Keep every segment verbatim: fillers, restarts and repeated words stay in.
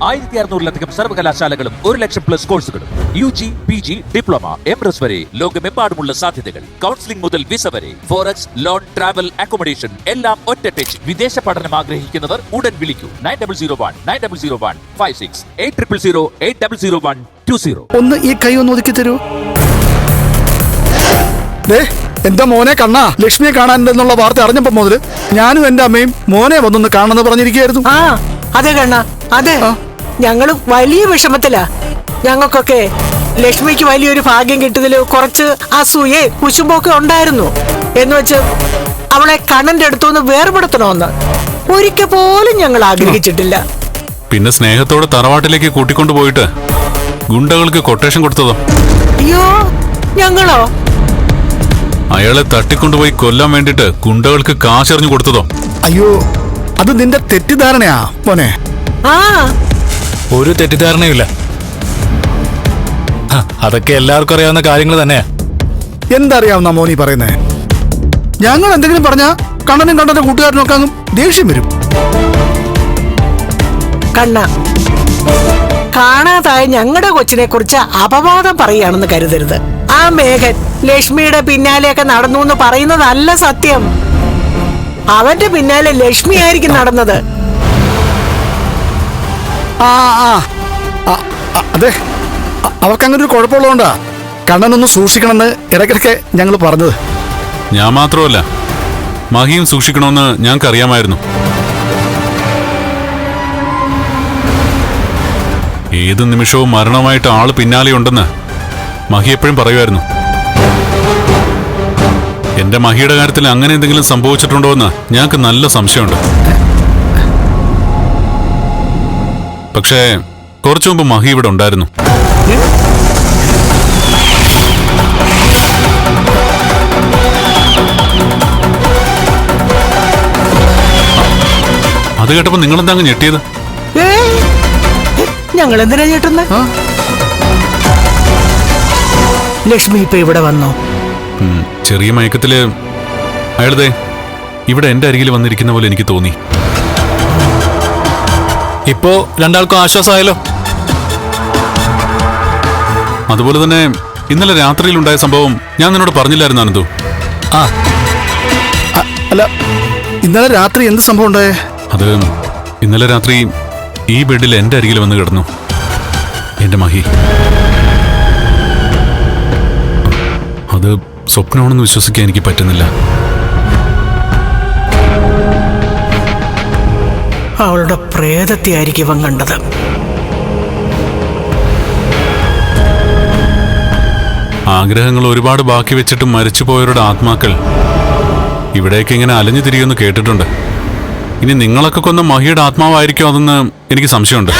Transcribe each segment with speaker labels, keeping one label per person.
Speaker 1: ആയിരത്തി അറുന്നൂറിലധികം സർവകലാശാലകളും ഒരു ലക്ഷം പ്ലസ് കോഴ്സുകളും U G P G diploma M S വരെ ലോകമെമ്പാടുമുള്ള സാധ്യതകൾ. കൗൺസിലിംഗ് മുതൽ വിസ വരെ, ഫോറക്സ്, ലോൺ, ട്രാവൽ, അക്കോമഡേഷൻ എല്ലാം ഒറ്റ ടച്ച്. വിദേശ പഠനം ആഗ്രഹിക്കുന്നവർ ഉടൻ വിളിക്കൂ nine double zero one nine double zero one five six eight triple zero eight double zero one two zero.
Speaker 2: ഒന്ന് ഈ കൈ ഒന്ന് ഒതുക്കി തരൂ. എന്റെ മോനെ കണ്ണാ, ലക്ഷ്മിയെ കാണാനുണ്ടെന്നുള്ള വാർത്ത അറിഞ്ഞപ്പോ മുതല് ഞാനും എന്റെ അമ്മയും മോനെ വന്നൊന്ന് കാണുന്നത് പറഞ്ഞിരിക്കുകയായിരുന്നു.
Speaker 3: ആ അതെ കണ്ണ, അതെ, ഞങ്ങള് വലിയ വിഷമത്തിലാ. ഞങ്ങൾക്കൊക്കെ ലക്ഷ്മിക്ക് വലിയൊരു ഭാഗ്യം കിട്ടിയതില് കുറച്ച് അസൂയേ കുശുമ്പൊക്കെ ഉണ്ടായിരുന്നു. എന്ന് വെച്ച് അവളെ കണ്ണന്റെ അടുത്തുനിന്ന് വേർപെടുത്തണമെന്ന് ഒരിക്കൽ പോലും ഞങ്ങൾ ആഗ്രഹിച്ചിട്ടില്ല.
Speaker 4: പിന്നെ സ്നേഹത്തോടെ തറവാട്ടിലേക്ക് കൂട്ടിക്കൊണ്ടു പോയിട്ട് ഗുണ്ടകൾക്ക് കൊട്ടേഷൻ കൊടുത്തതോ?
Speaker 3: അയ്യോ, ഞങ്ങളോ?
Speaker 4: അയാളെ തട്ടിക്കൊണ്ടുപോയി കൊല്ലാൻ വേണ്ടിട്ട് ഗുണ്ടകൾക്ക് കാശെറിഞ്ഞു കൊടുത്തതോ?
Speaker 2: അയ്യോ, അത് നിന്റെ തെറ്റിദ്ധാരണയാ മോനെ.
Speaker 3: ആ
Speaker 5: ഒരു തെറ്റിദ്ധാരണയില്ല, അതൊക്കെ എല്ലാവർക്കും അറിയാവുന്ന കാര്യങ്ങൾ തന്നെയാ.
Speaker 2: എന്തറിയാവുന്ന മോനി പറയുന്നേ? ഞങ്ങൾ എന്തെങ്കിലും പറഞ്ഞാ കണ്ണനും കണ്ണന്റെ കൂട്ടുകാരനൊക്കെ അങ്ങ് ദേഷ്യം വരും.
Speaker 3: കണ്ണ, കാണാതായ ഞങ്ങളുടെ കൊച്ചിനെ കുറിച്ച് അപവാദം പറയുകയാണെന്ന് കരുതരുത്. ആ മേഘൻ ലക്ഷ്മിയുടെ പിന്നാലെയൊക്കെ നടന്നു എന്ന് പറയുന്നതല്ല സത്യം. അവന്റെ പിന്നാലെ ലക്ഷ്മി ആയിരിക്കും നടന്നത്.
Speaker 2: ആ ആ അതെ, അവർക്ക് അങ്ങനെ ഒരു കുഴപ്പമുള്ളതുകൊണ്ടാ കണ്ണനൊന്ന് സൂക്ഷിക്കണമെന്ന് ഇടയ്ക്കിടയ്ക്ക് ഞങ്ങൾ പറഞ്ഞത്.
Speaker 4: ഞാൻ മാത്രമല്ല, മഹിയും സൂക്ഷിക്കണമെന്ന് ഞങ്ങൾക്ക് അറിയാമായിരുന്നു. ഏത് നിമിഷവും മരണമായിട്ട് ആള് പിന്നാലെയുണ്ടെന്ന് മഹി എപ്പോഴും പറയുമായിരുന്നു. എന്റെ മഹിയുടെ കാര്യത്തിൽ അങ്ങനെ എന്തെങ്കിലും സംഭവിച്ചിട്ടുണ്ടോ എന്ന് ഞങ്ങൾക്ക് നല്ല സംശയമുണ്ട്. പക്ഷേ കുറച്ചു മുമ്പ് മഹി ഇവിടെ ഉണ്ടായിരുന്നു. അത് കേട്ടപ്പോ നിങ്ങളെന്താ അങ്ങ് ഞെട്ടിയത്?
Speaker 3: ഞങ്ങൾ എന്തിനാ ചേട്ടുന്ന? ലക്ഷ്മി ഇപ്പൊ ഇവിടെ വന്നോ?
Speaker 4: ചെറിയ മയക്കത്തില് അയാളതെ ഇവിടെ എന്റെ അരികിൽ വന്നിരിക്കുന്ന പോലെ എനിക്ക് തോന്നി.
Speaker 5: ഇപ്പോ രണ്ടാൾക്കും ആശ്വാസമായല്ലോ.
Speaker 4: അതുപോലെ തന്നെ ഇന്നലെ രാത്രിയിലുണ്ടായ സംഭവം ഞാൻ നിന്നോട് പറഞ്ഞില്ലായിരുന്നു അനന്തു?
Speaker 5: ആ
Speaker 2: അല്ല, ഇന്നലെ രാത്രി എന്ത് സംഭവം ഉണ്ടായേ?
Speaker 4: അത് ഇന്നലെ രാത്രി ഈ ബെഡിൽ എന്റെ അരികിൽ വന്ന് കിടന്നു എന്റെ മഹി. അത് സ്വപ്നമാണെന്ന് വിശ്വസിക്കാൻ എനിക്ക് പറ്റുന്നില്ല.
Speaker 3: അവളുടെ പ്രേതത്തെ ആയിരിക്കും ഇവൻ കണ്ടത്.
Speaker 4: ആഗ്രഹങ്ങൾ ഒരുപാട് ബാക്കി വെച്ചിട്ട് മരിച്ചുപോയവരുടെ ആത്മാക്കൾ ഇവിടേക്ക് ഇങ്ങനെ അലഞ്ഞു തിരിയുമെന്ന് കേട്ടിട്ടുണ്ട്. ഇനി നിങ്ങളൊക്കെ കൊന്ന മഹിയുടെ ആത്മാവായിരിക്കും അതെന്ന് എനിക്ക് സംശയമുണ്ട്.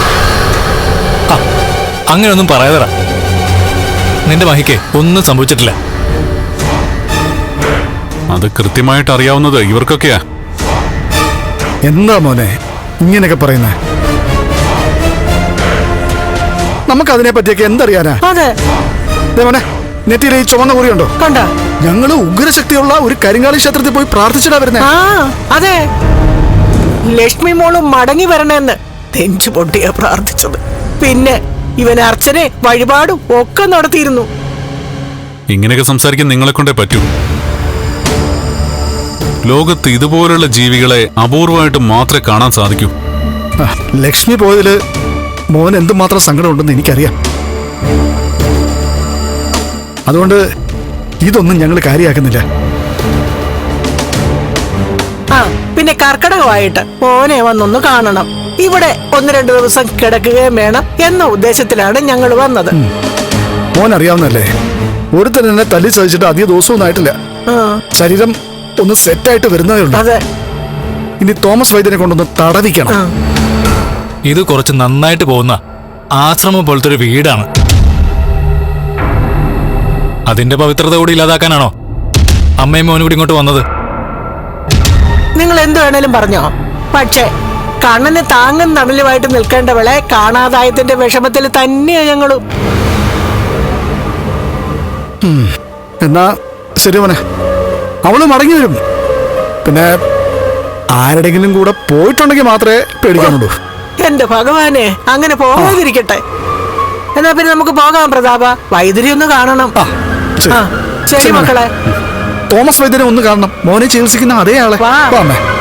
Speaker 5: അങ്ങനെയൊന്നും പറയാതടാ, നിന്റെ മഹിക്ക് ഒന്നും സംഭവിച്ചിട്ടില്ല.
Speaker 4: അത് കൃത്യമായിട്ട് അറിയാവുന്നത് ഇവർക്കൊക്കെയാ.
Speaker 2: എന്താ മോനെ ഇങ്ങനെയൊക്കെ പറയുന്നേ? നമുക്കതിനെ പറ്റിയൊക്കെ എന്തറിയാനാ?
Speaker 3: അതെ
Speaker 2: മോനെ, നെറ്റിയിലെ ഈ ചുവന്ന കുറിയുണ്ടോ?
Speaker 3: കണ്ട,
Speaker 2: ഞങ്ങള് ഉഗ്രശക്തിയുള്ള ഒരു കരിങ്കാളി ക്ഷേത്രത്തിൽ പോയി പ്രാർത്ഥിച്ചിട്ടാ വരുന്നേ.
Speaker 3: ആ അതെ, ലക്ഷ്മി മോളും മടങ്ങി വരണമെന്ന് തെഞ്ചു പൊട്ടിയാ പ്രാർത്ഥിച്ചത്. പിന്നെ ഇവൻ അർച്ചനെ വഴിപാടും ഒക്കെ നടത്തിയിരുന്നു.
Speaker 4: ഇങ്ങനെയൊക്കെ സംസാരിക്കാൻ നിങ്ങളെ കൊണ്ടേ പറ്റൂ. ലോകത്ത് ഇതുപോലുള്ള ജീവികളെ അപൂർവമായിട്ട് മാത്രമേ കാണാൻ സാധിക്കൂ.
Speaker 2: ലക്ഷ്മി പോയതില് മോൻ എന്തുമാത്രം സങ്കടമുണ്ടെന്ന് എനിക്കറിയാം. അതുകൊണ്ട് ഇതൊന്നും ഞങ്ങൾ കാര്യമാക്കുന്നില്ല.
Speaker 3: ആ പിന്നെ കർക്കിടകമായിട്ട് മോനെ വന്നൊന്ന് കാണണം. ഇവിടെ ഒന്ന് രണ്ടു ദിവസം കിടക്കുകയും വേണം എന്ന ഉദ്ദേശത്തിലാണ് ഞങ്ങൾ വന്നത്.
Speaker 2: മോൻ അറിയാവുന്നല്ലേ, ഒരുത്തൻ എന്നെ തല്ലി സഹിച്ചിട്ട് അധിക ദിവസമൊന്നും ആയിട്ടില്ല. ശരീരം ഒന്ന് സെറ്റായിട്ട് വരുന്നതേ ഉള്ളൂ.
Speaker 3: അതെ,
Speaker 2: ഇനി തോമസ് വൈദ്യനെ കൊണ്ടൊന്ന് തടവിക്കണം.
Speaker 5: ഇത് കുറച്ച് നന്നായിട്ട് പോകുന്ന ആശ്രമം പോലത്തെ ഒരു വീടാണ്. അതിന്റെ പവിത്രത കൂടി ഇല്ലാതാക്കാനാണോ അമ്മയും മോനും കൂടി ഇങ്ങോട്ട് വന്നത്?
Speaker 3: നിങ്ങൾ എന്ത് വേണേലും പറഞ്ഞോ, പക്ഷേ കണ്ണന് താങ്ങും തണലുമായിട്ട് നിൽക്കേണ്ടവളെ കാണാതായതിന്റെ വിഷമത്തിൽ തന്നെയാ ഞങ്ങളും.
Speaker 2: എന്നാ ശരി മോനെ, അവള് മടങ്ങി വരും. പിന്നെ ആരുടെങ്കിലും കൂടെ പോയിട്ടുണ്ടെങ്കിൽ മാത്രമേ പേടിക്കാനുള്ളൂ.
Speaker 3: എന്റെ ഭഗവാനെ, അങ്ങനെ പോകാതിരിക്കട്ടെ. എന്നാ പിന്നെ നമുക്ക് പോകാം പ്രതാപ. വൈദ്യുതി ഒന്ന് കാണണം.
Speaker 2: ആ, ശരി.
Speaker 3: ആ, ശരി
Speaker 2: ശരി,
Speaker 3: മക്കളെ.
Speaker 2: തോമസ് വൈദ്യരെ ഒന്ന് കാണണം. മോനെ ചികിത്സിക്കുന്ന അതേ ആളെ.
Speaker 3: വാ.
Speaker 2: വാ, അമ്മേ.